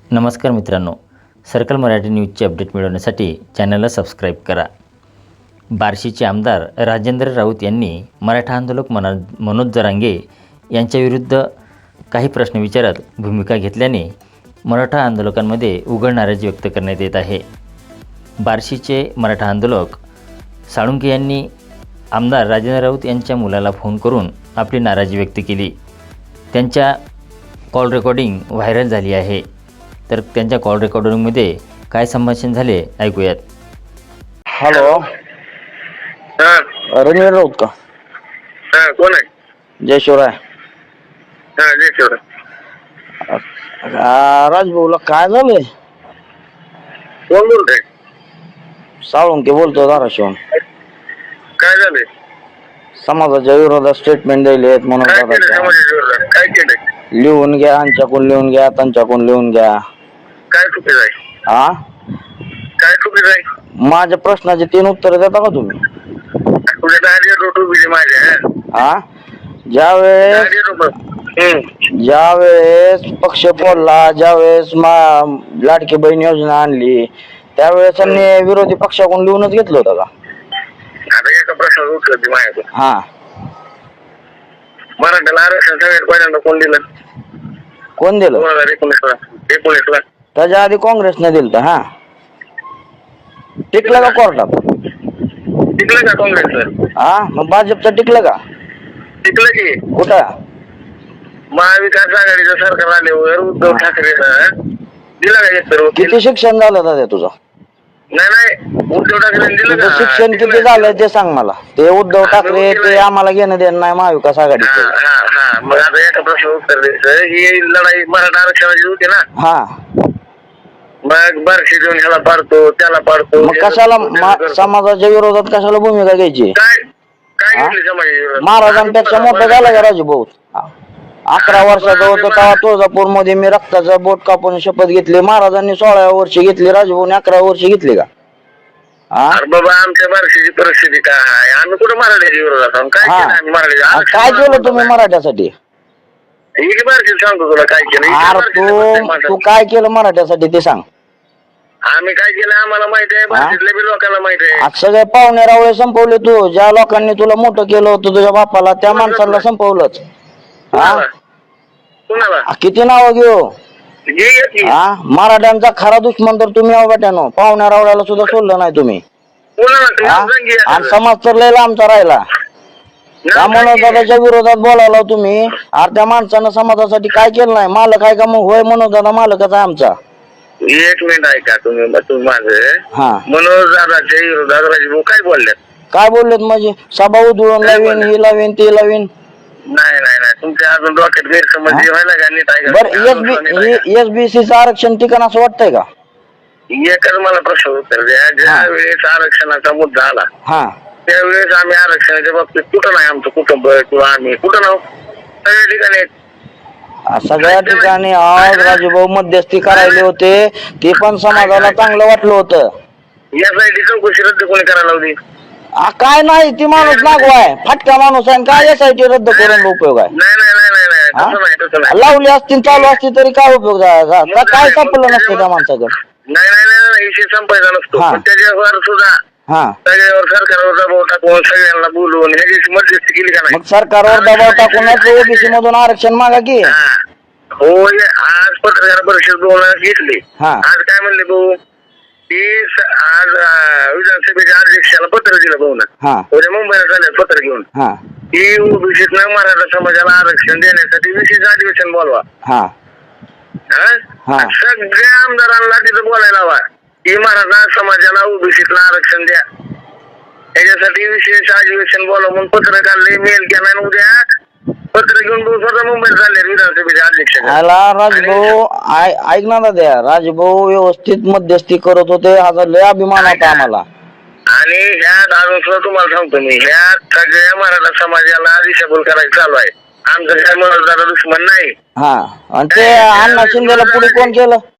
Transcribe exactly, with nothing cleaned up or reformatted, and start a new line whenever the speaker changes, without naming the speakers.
नमस्कार मित्रांनो, circle Marathi न्यूजचे update मिळवण्यासाठी चॅनलला सबस्क्राईब करा. बार्शीचे आमदार राजेंद्र राऊत यांनी मराठा आंदोलक मना मनोज जरांगे यांच्याविरुद्ध काही प्रश्न विचारत भूमिका घेतल्याने मराठा आंदोलकांमध्ये उघड नाराजी व्यक्त करण्यात येत आहे. बार्शीचे मराठा आंदोलक साळुंके यांनी आमदार राजेंद्र राऊत यांच्या मुलाला फोन करून आपली नाराजी व्यक्त केली. त्यांच्या कॉल रेकॉर्डिंग व्हायरल झाली आहे. तर त्यांच्या कॉल रेकॉर्डिंगमध्ये काय संभाषण झाले ऐकूयात.
हॅलो,
हा
रणवीर राऊत का?
हा कोण आहे?
जय शिवराय.
हा जय शिवराय.
आ, राजभाऊला काय झालंय?
कोण बोलतोय?
साळुंके बोलतो धाराशिवून.
काय झालंय?
समाजाच्या विरोधात स्टेटमेंट दिले आहेत म्हणून
काय
दादा
केलं
काय?
समाजाच्या विरोधात? काय केलंय?
लिहून घ्या, आमच्याकडून लिहून घ्या, त्यांच्याकडून लिहून घ्या.
काय चुकीचं आहे?
हा,
काय चुकीचं आहे?
माझ्या प्रश्नाचे तीन उत्तर देता का तुम्ही?
तुझ्या दारी रोट उभी आहे माझ्या.
हा, ज्यावेळेस
दारी रोट
ज्यावेळेस पक्ष फोडला, ज्यावेळेस मा लाडकी बहीण योजना आणली, त्यावेळेस त्यांनी विरोधी पक्षाकडून लिहूनच घेतलं होतं का?
आता एका प्रश्नाचं उत्तर दे माझ्याकडे.
हा,
मराठ्याला आरक्षण सगळ्यात पहिल्यांदा कोण दिलं?
कोण दिलं?
दोन हजार एकोणीसला एकोणीसला
त्याच्या आधी काँग्रेसने दिलं तर. हा, टिकलं का कोर्टात?
टिकलं का काँग्रेसचं?
हा, मग भाजपचं टिकलं का?
टिकलं की.
कुठं?
महाविकास आघाडीचं सरकार आल्यावर उद्धव ठाकरेनं दिलं का एक सर्व?
किती शिक्षण झालं दादा तुझं?
नाही नाही उद्धव ठाकरेंनी दिलं
तुझं
का?
शिक्षण किती झालंय ते सांग मला. ते उद्धव ठाकरे ते आम्हाला घेणं देणं नाही महाविकास
हा
आघाडीचं.
हा हा मग आता एका प्रश्न उत्तर द्यायचं. ही लढाई मराठा आरक्षणाची होती ना.
हा,
मग बारशी देऊन ह्याला पाडतो त्याला पाडतो.
मग कशाला मा- समाजाच्या विरोधात कशाला भूमिका घ्यायची?
काय काय
हा?
घेतली समाजाच्या विरोधात?
महाराजांपेक्षा मोठं झालं का राजूभाऊ? अकरा वर्षाचा होतो तेव्हा तुळजापूर मध्ये मी रक्ताचा बोट कापून शपथ घेतली. महाराजांनी सोळाव्या वर्षी घेतली, राजूभाऊने अकरा वर्षी घेतली का? हा,
अरे बाबा आमच्या बारशीची परिस्थिती काय आहे? आम्ही कुठं मराठ्याच्या विरोधात आहोत? काय
हा.
केलं आम्ही मराठ्याच्या?
आ,
आरक्षण
काय केलं
मागवतो
तुम्ही
काय?
मराठ्यासाठी?
ही की बारशी सांगतो तुला काय केलं. ही की
अरे
बारशीचं
तू
प्रत्येक माणसाचं.
तू काय केलं मराठ्यासाठी ते सांग.
आम्ही काय केलं आम्हाला माहिती आहे. बारशीतल्या बी लोकांना माहिती आहे.
आज सगळे पाहुणे रावळे संपवले तू. ज्या लोकांनी तुला मोठं केलं होतं तुझ्या बापाला, त्या माणसाला संपवलंच. हा,
कुणाला? कुणाला?
आ, किती नाव घेऊ?
घे घे की.
हा, मराठ्यांचा खरा दुश्मन तर तुम्ही आहो बेट्यानो. पाहुण्या रावळ्याला सुद्धा सोडलं नाही तुम्ही.
कुणाला? ते
हा,
नाव सांग की
आणि
एखादं.
समाज तर लय लांबचा राहिला. त्या
नाव सांग की.
मनोजदादाच्या विरोधात बोलायला तुम्ही. अरे त्या माणसानं समाजासाठी काय केलं नाही? मालक आहे का? मग होय, मनोजदादा मालकच आहे आमचा.
एक मिनिट ऐका तुम्ही तुम्ही माझं.
हा,
मनोज दादाच्या विरोधात राजभाऊ काय बोलल्यात?
काय बोललेत म्हणजे? सभा उधळून
काय
लावीन,
बोलले?
ही लावीन, ती लावीन.
नाही नाही नाही तुमच्या अजून डोक्यात गैरसमज
हा?
व्हायला का नीट ऐका.
बर,
अजून नीट ऐका.
एसबीसीचं आरक्षण ठिकाण असं वाटतंय का?
एकच मला प्रश्न उत्तर द्या. ज्या वेळेस आरक्षणाचा मुद्दा आला
हा,
त्यावेळेस आम्ही आरक्षणाच्या बाबतीत कुठं नाही आमचं कुटुंब किंवा आम्ही कुठं नाव सगळ्या ठिकाणी आहेत.
सगळ्या ठिकाणी आज राजूभाऊ मध्यस्थी करायले होते. ते पण समाजाला चांगलं वाटलं होतं.
यासाठी चौकशी रद्द कोणी करायला लावली?
आ, काय नाही, ती माणूस नागवा आहे, फाटका माणूस आहे. काय एसआयटी रद्द करून उपयोग आहे?
नाही नाही नाही नाही नाही
हा?
तसं नाही तसं नाही.
लावली असती चालू असती तरी काय उपयोग झाला? का- काय सापडलं नसतं त्या माणसाकडे?
नाही नाही नाही नाही विषय संपायचा नसतो.
हा.
पण त्याच्यावर सुद्धा
हा,
सगळ्यावर सरकारवर दबाव टाकून सगळ्यांना बोलवून ह्याची मध्यस्थी केली का नाही?
मग सरकारवर दबाव टाकूनच ओबीसी मधून आरक्षण मागा की.
हा. होय आज पत्रकार परिषद दोन घेतली.
हा.
आज काय म्हणले भाऊ की स- आज अं, विधानसभेच्या अध्यक्षाला पत्र दिलं भाऊ ना.
हा,
उद्या मुंबईला चालले पत्र घेऊन
हा,
की ओबीसीतनं मराठा समाजाला आरक्षण देण्यासाठी विशेष अधिवेशन बोलवा.
हा,
हा?
हा.
सगळ्या आमदारांना तिथं बोलायला हवा की मराठा समाजाला ओबीसीतलं आरक्षण द्या. त्याच्यासाठी विशेष अधिवेशन बोलवा म्हणून पत्र काढले, मेल केला आणि उद्या पत्र घेऊन भाऊ स्वतः मुंबईत चालले विधानसभेच्या अध्यक्ष.
आला राजभाऊ. आय- ऐक ना दाद्या, राजभाऊ व्यवस्थित मध्यस्थी करत होते. हा लय अभिमान होता आम्हाला.
आणि ह्यात अजून सुद्धा तुम्हाला सांगतो मी, ह्यात सगळ्या मराठा समाजाला दिशाभूल करायचं चालू आहे. आमचं काय मनोज दादा दुश्मन नाही.
हा, आणि ते अण्णा शिंदेला पुढे कोण केलं?